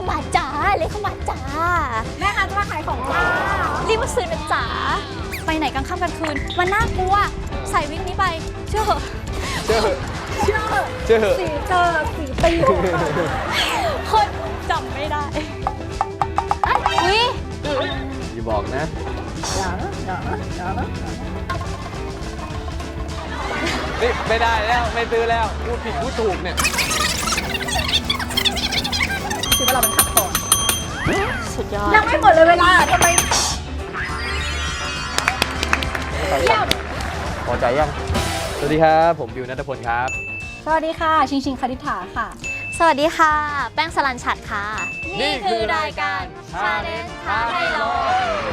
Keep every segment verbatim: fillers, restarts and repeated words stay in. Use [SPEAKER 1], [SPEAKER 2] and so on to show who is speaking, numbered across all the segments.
[SPEAKER 1] ามาจ้าเลขเข้ามาจ้า
[SPEAKER 2] แม่ค้าจะมาขายของจ้า
[SPEAKER 1] รีบมาซื้อนะจ๋าไปไหนกลางค่ำกลางคืนมันน่ากลัวใส่วิกนี้ไปเชื่อเหอะ
[SPEAKER 3] เชื่อเหอะ
[SPEAKER 2] เชื่อ
[SPEAKER 3] เชื่อเหอะ
[SPEAKER 2] สีเจอสีตี
[SPEAKER 1] คนจำไม่ได้อุ้ย
[SPEAKER 3] อย่าบอกนะ
[SPEAKER 2] อย่านะอย่านะอย่านะ
[SPEAKER 3] นี่ไม่ได้แล้วไม่ซื้อแล้วพูดผิดพูดถูกเนี่ย
[SPEAKER 2] คิดว่าเราเป็นขัดคอ
[SPEAKER 1] สุดยอด
[SPEAKER 2] ยังไม่หมดเลยเวลาทำไมเยี่ยม
[SPEAKER 3] พอใจยังสวัสดีครับผมบิวณัฐพลครับ
[SPEAKER 2] สวัสดีค่ะชิงชิงคณิษฐาค่ะ
[SPEAKER 1] สวัสดีค่ะแป้งสลันฉัดค่ะนี่คือรายการชาเลนจ์ท้าให้ลอง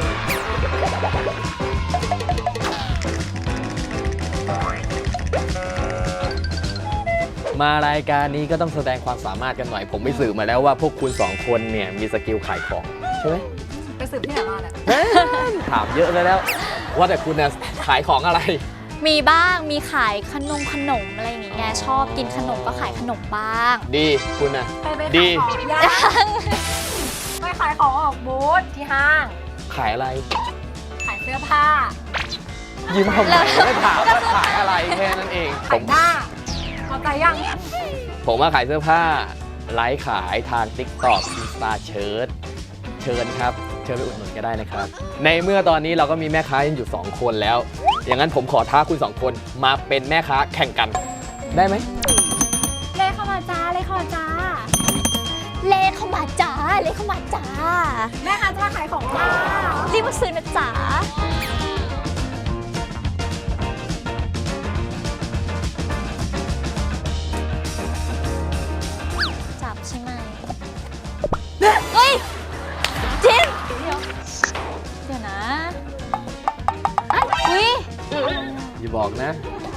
[SPEAKER 3] มารายการนี้ก็ต้องแสดงความสามารถกันหน่อยผมไปสืบมาแล้วว่าพวกคุณสองคนเนี่ยมีสกิลขายของใช่ไหม
[SPEAKER 2] ไปสืบที่ไหนมาเนี่ย
[SPEAKER 3] ถามเยอะเลยแล้วว่าแต่คุณเนี่ยขายของอะไร
[SPEAKER 1] มีบ้างมีขายขนมขนมอะไรอย่างเงี้ยชอบกินขนมก็ขายขนมบ้าง
[SPEAKER 3] ดีคุณน่ะ
[SPEAKER 2] ดียังไปขายของออกบูธที่ห้าง
[SPEAKER 3] ขายอะไร
[SPEAKER 2] ขายเสื้อผ้า
[SPEAKER 3] ยิ้มทำไมไม่ถามว่าขายอะไรแค่นั้นเอง
[SPEAKER 2] ขายหน้าเข้าใจยัง
[SPEAKER 3] ผมมาขายเสื้อผ้าไลฟ์ขายทาง ติ๊กต็อก อินสตา เชิญเชิญครับเชิญไปอุดหนุนก็ได้นะครับในเมื่อตอนนี้เราก็มีแม่ค้าอยู่สองคนแล้วอย่างนั้นผมขอท้าคุณสองคนมาเป็นแม่ค้าแข่งกันได้ไหม
[SPEAKER 2] เลขเข้ามาจ้าเลขเข้ามาจ้า
[SPEAKER 1] เลขเข้ามาจ้าเลขเข้ามาจ้า
[SPEAKER 2] แม่ค้าจะมาขายของจ้า
[SPEAKER 1] รีบมาซื้อนะจ๋าจับใช่ไหมเฮ้ยจินเดี๋ยวเดี๋ยวนะอ้าวอุ้ย
[SPEAKER 3] อย่าบอกนะ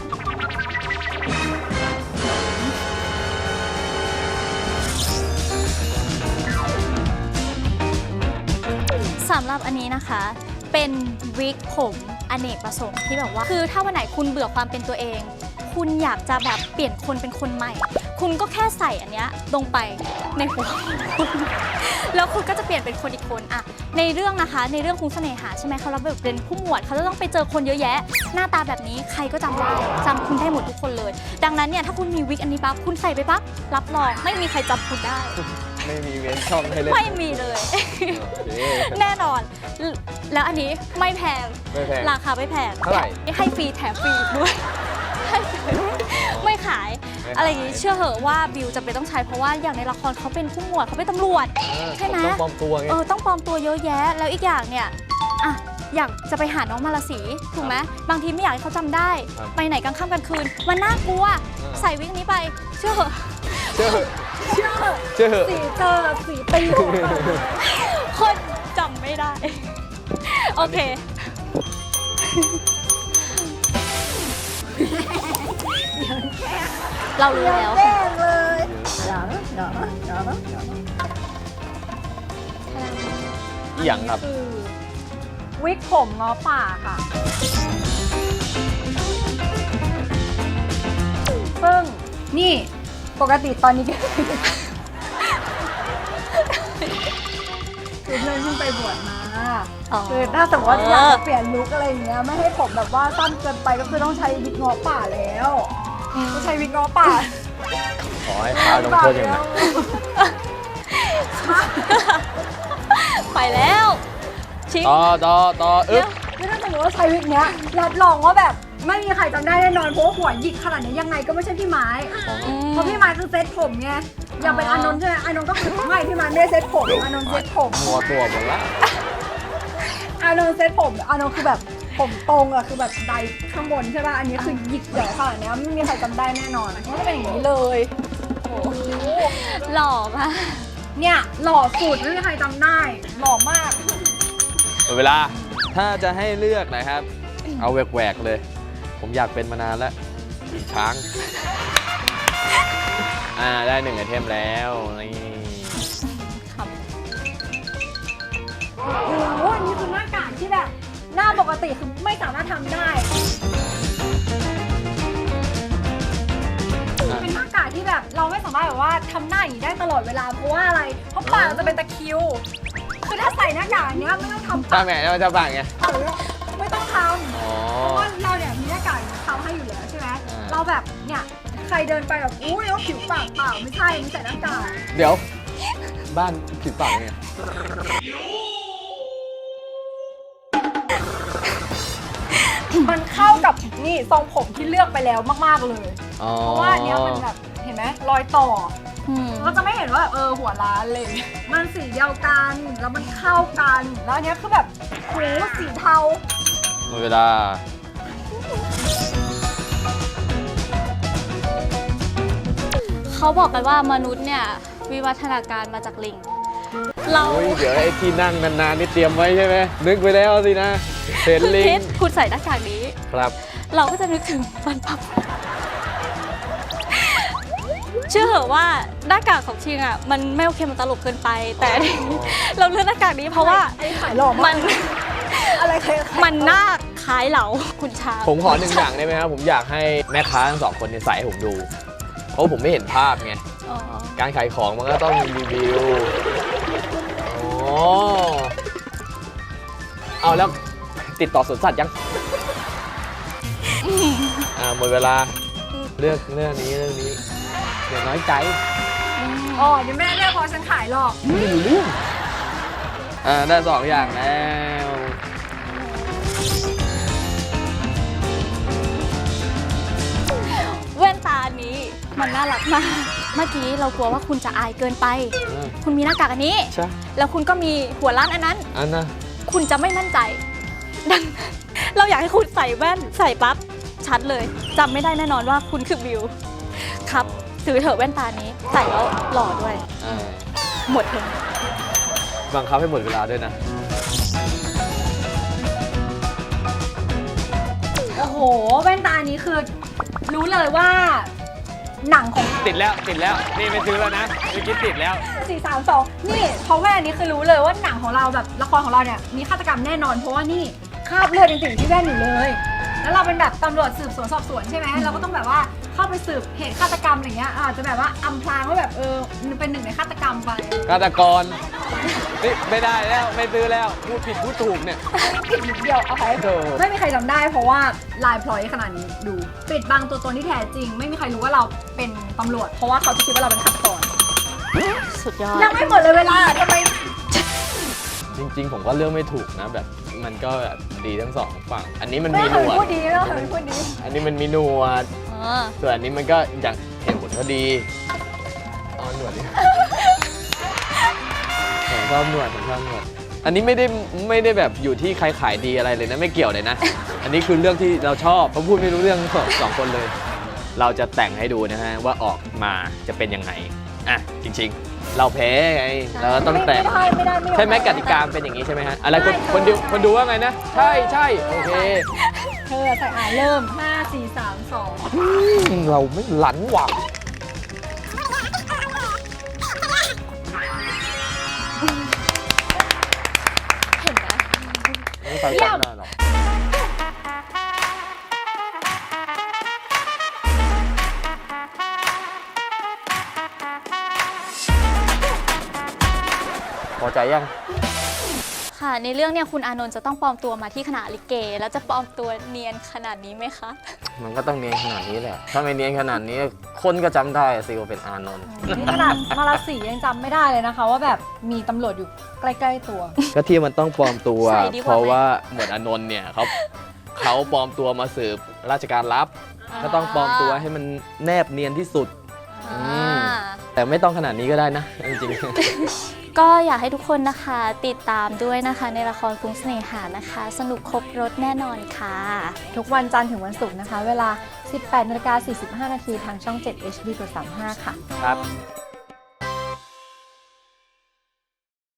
[SPEAKER 1] สำหรับอันนี้นะคะเป็นวิกผมอเนกประสงค์ที่แบบว่าคือถ้าวันไหนคุณเบื่อความเป็นตัวเองคุณอยากจะแบบเปลี่ยนคนเป็นคนใหม่คุณก็แค่ใส่อันเนี้ยลงไปในหัวแล้วคุณก็จะเปลี่ยนเป็นคนอีกคนอะในเรื่องนะคะในเรื่องคุณเสน่หาใช่ไหมเขาเราแบบเป็นผู้หมวดเขาจะต้องไปเจอคนเยอะแยะหน้าตาแบบนี้ใครก็จำได้จำคุณได้หมดทุกคนเลยดังนั้นเนี่ยถ้าคุณมีวิกอันนี้ปั๊บคุณใส่ไปปั๊บรับรองไม่มีใครจำคุณได้
[SPEAKER 3] ไม่มีเว้นช่องให้เล่น
[SPEAKER 1] ไม่มีเลยแน่นอนแล้วอันนี้ไม่แพงราคาไม่แพง
[SPEAKER 3] เท่าไหร่
[SPEAKER 1] ให้ฟรีแถมฟรีด้วยไม่ขายอะไรอย่างนี้เชื่อเหอะว่าบิวจะเป็นต้องใช้เพราะว่าอย่างในละครเขาเป็นผู้หมวดเขาเป็นตำรวจใช่ไหม
[SPEAKER 3] ต้องปลอมตัวไง
[SPEAKER 1] เออต้องปลอมตัวเยอะแยะแล้วอีกอย่างเนี่ยอ่ะอยากจะไปหาน้องมาลาสีถูกไหมบางทีไม่อยากให้เขาจำได้ไปไหนกลางค่ำกลางคืนมันน่ากลัวใส่วิกนี้ไปเชื่อเหอะ
[SPEAKER 3] เชื่อเหอะ
[SPEAKER 2] เชื่อเหอะ
[SPEAKER 3] เชื่อเหอะ
[SPEAKER 2] สีเจอสีตี
[SPEAKER 1] คนจำไม่ได้โอเคเรารู้แล้ว
[SPEAKER 2] แย่งเลยอย่านะอย่านะอย่านะอย่านะ
[SPEAKER 3] อีหยังครับ
[SPEAKER 2] วิกผมง้อป่าค่ะซึ่งนี่ปกติตอนนี้ก็คือเพื่อนเพิ่งไปบวชมาคือถ้าสมมติว่าอยากเปลี่ยนลุคอะไรอย่างเงี้ยไม่ให้ผมแบบว่าสั้นเกินไปก็คือต้องใช้วิกง้อป่าแล้วต้องใช้วิกง้อป่า
[SPEAKER 3] ขอให้พาลงโทษอย่างหนัก
[SPEAKER 1] ไปแล้ว
[SPEAKER 3] ต่อต่อต่ออึ๊บ
[SPEAKER 2] คือถ้าสมมติว่าใช้วิกเนี้ยรับรองว่าแบบไม่มีใครจำได้แน่นอนเพราะหัวหยิกขนาดนี้ยังไงก็ไม่ใช่พี่ไม้เพราะพี่ไม้คือเซ็ตผมไงอย่างเป็นอานนท์ใช่ไหมอานนท์ก็คือไม่พี่ไม้ไม่เซ็ตผมอานนท์เซ็ตผม
[SPEAKER 3] มัวตัวหมดละ
[SPEAKER 2] อานนท์เซ็ตผมอานนท์คือแบบผมตรงอะคือแบบไดข้างบนใช่ป่ะอันนี้คือหยิกใหญ่ขนาดนี้ไม่มีใครจำได้แน่นอนเพราะจะเป็นอย่างนี้เลย
[SPEAKER 1] โอ้หล่อมาก
[SPEAKER 2] เนี่ยหล่อสุดไม่มีใครจำได้หล่อมาก
[SPEAKER 3] เวลาถ้าจะให้เลือกนะครับเอาแหวกๆเลยผมอยากเป็นมานานแล้วช้างอ่าได้หนึ่งไอเทมแล้วนี่
[SPEAKER 2] โอ้โหอันนี้คือหน้ากากที่แบบหน้าปกติคือไม่สามารถทำได้เป็นหน้ากากที่แบบแบบเราไม่สามารถแบบว่าทำหน้าอย่างนี้ได้ตลอดเวลาเพราะว่าอะไรเพราะปากเราจะเป็นตะคริวคือถ้าใส่หน้ากากเนี้ยไม่ต้องทำ
[SPEAKER 3] ถ้า
[SPEAKER 2] ปาก
[SPEAKER 3] แม่แล้วมันจะบังไง
[SPEAKER 2] หรือไม่ต้องทำ
[SPEAKER 3] อ๋อ
[SPEAKER 2] เพราะว่าเราเนี่ยมีหน้ากากเขาให้อยู่แล้วใช่ไหม
[SPEAKER 3] อ่า
[SPEAKER 2] เราแบบเนี่ยใครเดินไปแบบอู้เลยว่าผิวปากเปล่าไม่ใช่มีใส่หน้ากาก
[SPEAKER 3] เดี๋ยว บ้านผิดปากไง
[SPEAKER 2] มันเข้ากับนี่ทรงผมที่เลือกไปแล้วมากๆเลย
[SPEAKER 3] อ๋อ
[SPEAKER 2] เพราะว่าอันเนี้ยมันแบบเห็นไหมรอยต่อ
[SPEAKER 1] อืม
[SPEAKER 2] ก็จะไม่เห็นว่าเออหัวล้านเลย มันสีเดียวกันแล้วมันเข้ากันแล้วอันเนี้ยคือแบบโหสีเทา
[SPEAKER 3] หมดเวลา
[SPEAKER 1] เขาบอกกันว่ามนุษย์เนี่ยวิวัฒนาการมาจากลิง เรา
[SPEAKER 3] โอ้ยเดี๋ยวไอ้ที่นั่งนานๆนี่เตรียมไว้ใช่ไหมนึกไว้แล้วสินะเห็น
[SPEAKER 1] คุณ
[SPEAKER 3] ลิ
[SPEAKER 1] คิ
[SPEAKER 3] ง
[SPEAKER 1] ดคุณใส่หน้ากากนี้
[SPEAKER 3] ครับ
[SPEAKER 1] เราก็จะนึกถึงฟันปับ เชื่อเหอะว่าหน้ากากของชิงอ่ะมันไม่โอเคมันตลกเกินไป แต่อันนี้เราเลือกหน้ากากนี้เพราะว่า
[SPEAKER 2] ไอ้ขายหล่อ
[SPEAKER 1] มั
[SPEAKER 2] มาก
[SPEAKER 1] น
[SPEAKER 2] อะไรใคร
[SPEAKER 1] มันหน้าคล้ายเหลาคุณชา
[SPEAKER 3] ผมขอหนึ่งอย่างได้ไหมครับ ผมอยากให้แม่ค้าทั้งสองคนเนี่ยใส่ให้ผมดู เพราะผมไม่เห็นภาพไง
[SPEAKER 1] อ๋อ
[SPEAKER 3] การขายของมันก็ต้องมีรีวิวอ๋อเอาแล้วติดต่อสวนสัตว์ยัง อ่าหมดเวลาเลือกเรื่องนี้เรื่องนี้เดี๋ยวน้อยใจ
[SPEAKER 2] อ๋อเดี๋ยวแม่เรียกพอฉันขายหรอก
[SPEAKER 3] ไม่รู้เรื่องอ่าได้สองอย่างแล้ว
[SPEAKER 1] แว่นตาอันนี้มันน่ารักมาก เมื่อกี้เรากลัวว่าคุณจะอายเกินไป
[SPEAKER 3] อ่า
[SPEAKER 1] คุณมีหน้ากากอันนี้
[SPEAKER 3] ใช่
[SPEAKER 1] แล้วคุณก็มีหัวล้านอันนั้น
[SPEAKER 3] อันน่ะ
[SPEAKER 1] คุณจะไม่มั่นใจ ดังนั้นเราอยากให้คุณใส่แว่นใส่ปั๊บชัดเลยจำไม่ได้แน่นอนว่าคุณคือบิวครับซื้อเถอะแว่นตานี้ใส่แล้วหล่อด้วย
[SPEAKER 3] อ่า
[SPEAKER 1] หมดเถอะ
[SPEAKER 3] บังคับให้หมดเวลาด้วยนะ
[SPEAKER 2] โอ้โหแว่นตานี้คือรู้เลยว่าหนังของ
[SPEAKER 3] ติดแล้วติดแล้วนี่ไม่ซื้อแล้วนะเมื่อกี้ติดแล้ว
[SPEAKER 2] สี่สามสองนี่เพราะแว่นอันนี้คือรู้เลยว่าหนังของเราแบบละครของเราเนี่ยมีฆาตกรรมแน่นอน เพราะว่านี่คราบเลือดยังติดอยู่ที่แว่นอยู่เลย แล้วเราเป็นแบบตำรวจสืบสวนสอบสวนใช่ไหมเราก็ต้องแบบว่าเข้าไปสืบเหตุฆาตกรรมอะไรเงี้ยอาจจะแบบว่าอำพรางว่าแบบเออเป็นหนึ่งในฆาตกรรมไป
[SPEAKER 3] ฆาตกรนี่ไม่ได้แล้วไม่ซื้อแล้วพูดผิดพูดถูกเนี่ย
[SPEAKER 2] ผิดนิดเดียวเอาไป
[SPEAKER 3] โถ่
[SPEAKER 2] ไม่มีใครจำได้เพราะว่าลายพลอยขนาดนี้ดูปิดบังตัวตนที่แท้จริง ไม่มีใครรู้ว่าเราเป็นตำรวจ เพราะว่าเขาจะคิดว่าเราเป็นฆาตกร
[SPEAKER 1] สุดยอด
[SPEAKER 2] ยังไม่หมดเลยเวลาทำไม
[SPEAKER 3] จริงๆ ผมก็เลือกไม่ถูกนะแบบมันก็แบบดีทั้งสองฝั่ง อันนี้มัน
[SPEAKER 2] ไม่
[SPEAKER 3] มีห
[SPEAKER 2] เคน ยว
[SPEAKER 3] ด
[SPEAKER 2] พูดดีไม่เคยพูดดี
[SPEAKER 3] อันนี้มันมีหนวด
[SPEAKER 1] อ๋อ
[SPEAKER 3] ส่วนอันนี้มันก็อย่างเห็นผลก็ดีเอาหนวดดิผมชอบหนวดผมชอบหนวด อันนี้ไม่ได้ไม่ได้แบบอยู่ที่ใครขายดีอะไรเลยนะไม่เกี่ยวเลยนะ อันนี้คือเรื่องที่เราชอบเพราะพูดไม่รู้เรื่องสองสองคนเลย เราจะแต่งให้ดูนะฮะว่าออกมาจะเป็นยังไงอ่ะจริงๆ เราแพ้ไงเราก็ต้องแต่ง
[SPEAKER 2] ไม่ได้ไม่ได้ไม่ยอม
[SPEAKER 3] ใช่ไหมกติกาเป็นอย่างนี้ใช่ไหมฮะอะไรคน
[SPEAKER 2] ใช่
[SPEAKER 3] คนดูคนดูว่าไงนะ ใช่ใช่โอเค
[SPEAKER 2] เธอใส่อ่านเริ่มห้า สี่ สาม สอง
[SPEAKER 3] อืมเราไม่หลันหวัง
[SPEAKER 1] เห็นไหม
[SPEAKER 3] ไม่ไปจำได้หรอกพอใจยัง
[SPEAKER 1] ค่ะในเรื่องเนี่ยคุณอานนท์จะต้องปลอมตัวมาที่คณะลิเก แล้วจะปลอมตัวเนียนขนาดนี้ไหมคะ
[SPEAKER 3] มันก็ต้องเนียนขนาดนี้แหละ ถ้าไม่เนียนขนาดนี้ คนก็จำได้สิว่าเป็นอานนท์
[SPEAKER 2] นี่ขนาดมาราศียังจำไม่ได้เลยนะคะ ว่าแบบมีตำรวจอยู่ใกล้ๆตัว
[SPEAKER 3] ก็ที่มันต้องปลอมตัว
[SPEAKER 1] ใส่ดีกว่าไหม
[SPEAKER 3] เพราะว่าหมวดอานนท์เนี่ยเขาเขาปลอมตัวมาสืบราชการลับ ก็ต้องปลอมตัวให้มันแนบเนียนที่สุด
[SPEAKER 1] อ่า
[SPEAKER 3] อืม แต่ไม่ต้องขนาดนี้ก็ได้นะ จริง
[SPEAKER 1] ก็อยากให้ทุกคนนะคะติดตามด้วยนะคะในละครกรุงเสน่หานะคะ สนุกครบรถแน่นอนค่ะ
[SPEAKER 2] ทุกวันจันทร์ถึงวันศุกร์นะคะ เวลา สิบแปดนาฬิกาสี่สิบห้านาทีทางช่อง เจ็ด เอช ดี กด สามสิบห้า ค่ะ
[SPEAKER 3] ๆ ครับ